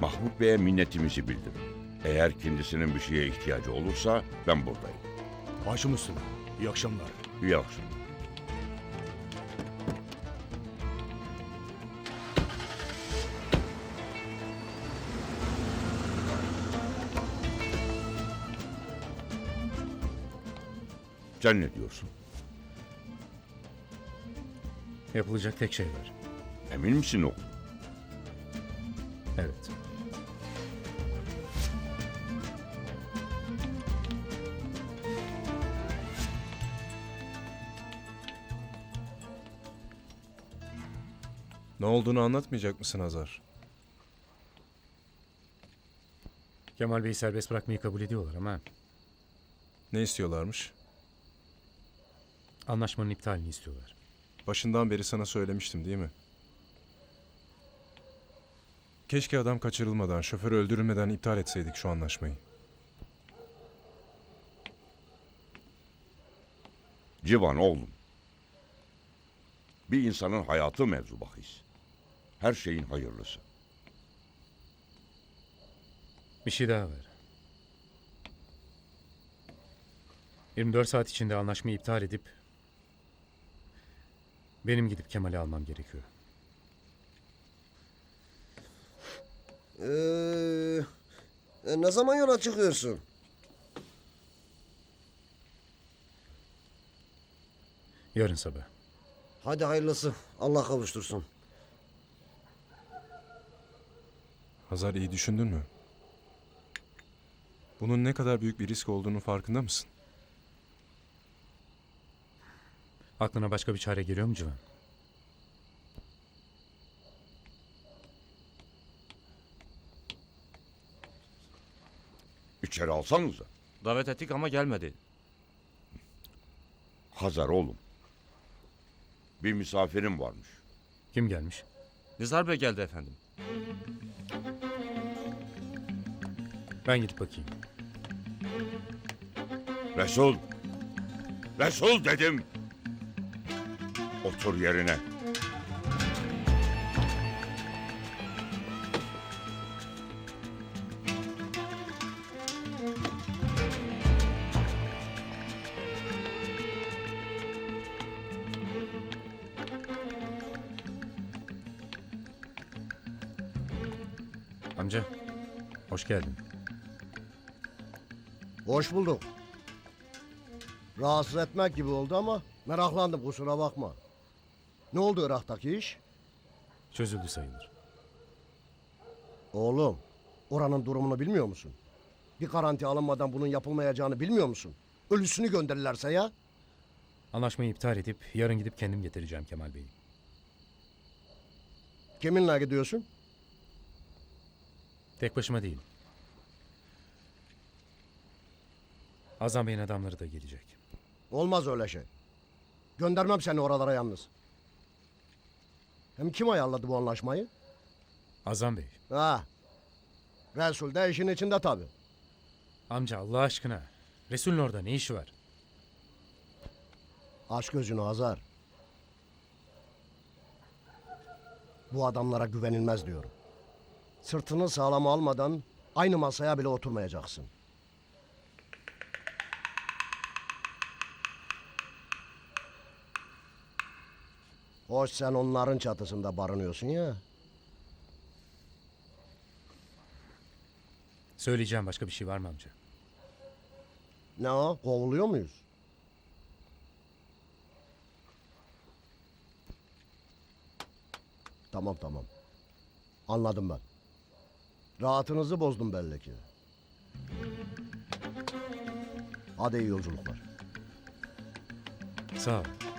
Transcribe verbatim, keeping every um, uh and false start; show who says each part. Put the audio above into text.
Speaker 1: Mahmut Bey'e minnetimizi bildirin. Eğer kendisinin bir şeye ihtiyacı olursa ben buradayım.
Speaker 2: Başım üstüne. İyi akşamlar.
Speaker 1: İyi akşamlar. Sen ne diyorsun?
Speaker 3: Yapılacak tek şey var.
Speaker 1: Emin misin oğlum?
Speaker 3: Evet.
Speaker 4: Ne olduğunu anlatmayacak mısın Hazar?
Speaker 3: Kemal Bey'i serbest bırakmayı kabul ediyorlar ama
Speaker 4: Ne istiyorlarmış?
Speaker 3: anlaşmanın iptalini istiyorlar.
Speaker 4: Başından beri sana söylemiştim değil mi? Keşke adam kaçırılmadan, şoför öldürülmeden iptal etseydik şu anlaşmayı.
Speaker 1: Civan oğlum. Bir insanın hayatı mevzu bahis. Her şeyin hayırlısı.
Speaker 3: Bir şey daha var. yirmi dört saat içinde anlaşmayı iptal edip benim gidip Kemal'i almam gerekiyor.
Speaker 5: Ee, ne zaman yola çıkıyorsun?
Speaker 3: Yarın sabah.
Speaker 5: Hadi hayırlısı. Allah kavuştursun.
Speaker 4: Hazar, iyi düşündün mü? Bunun ne kadar büyük bir risk olduğunun farkında mısın?
Speaker 3: Aklına başka bir çare geliyor mu Civan?
Speaker 1: İçeri alsanıza.
Speaker 6: Davet ettik ama gelmedi.
Speaker 1: Hazar oğlum. Bir misafirim varmış.
Speaker 3: Kim gelmiş?
Speaker 6: Nizar Bey geldi efendim.
Speaker 3: Ben gidip bakayım.
Speaker 1: Resul. Resul dedim. Otur yerine.
Speaker 3: Amca, hoş geldin.
Speaker 5: Hoş bulduk. Rahatsız etmek gibi oldu ama meraklandım, kusura bakma. Ne oldu Irak'taki iş?
Speaker 3: Çözüldü sayılır.
Speaker 5: Oğlum, oranın durumunu bilmiyor musun? Bir garanti alınmadan bunun yapılmayacağını bilmiyor musun? Ölüsünü gönderirlerse ya?
Speaker 3: Anlaşmayı iptal edip yarın gidip kendim getireceğim Kemal Bey'i.
Speaker 5: Kiminle gidiyorsun?
Speaker 3: Tek başıma değilim. Azam Bey'in adamları da gelecek.
Speaker 5: Olmaz öyle şey. Göndermem seni oralara yalnız. Hem kim ayarladı bu anlaşmayı?
Speaker 3: Azam Bey.
Speaker 5: Ha. Resul de işin içinde tabii.
Speaker 3: Amca Allah aşkına. Resul'ün orada ne işi var?
Speaker 5: Aç gözünü Hazar. Bu adamlara güvenilmez diyorum. Sırtını sağlama almadan aynı masaya bile oturmayacaksın. Hoş sen onların çatısında barınıyorsun ya.
Speaker 3: Söyleyeceğim başka bir şey var mı amca?
Speaker 5: Ne o? Kovuluyor muyuz? Tamam tamam. Anladım ben. Rahatınızı bozdum belli ki. Hadi iyi yolculuklar.
Speaker 3: Sağ ol.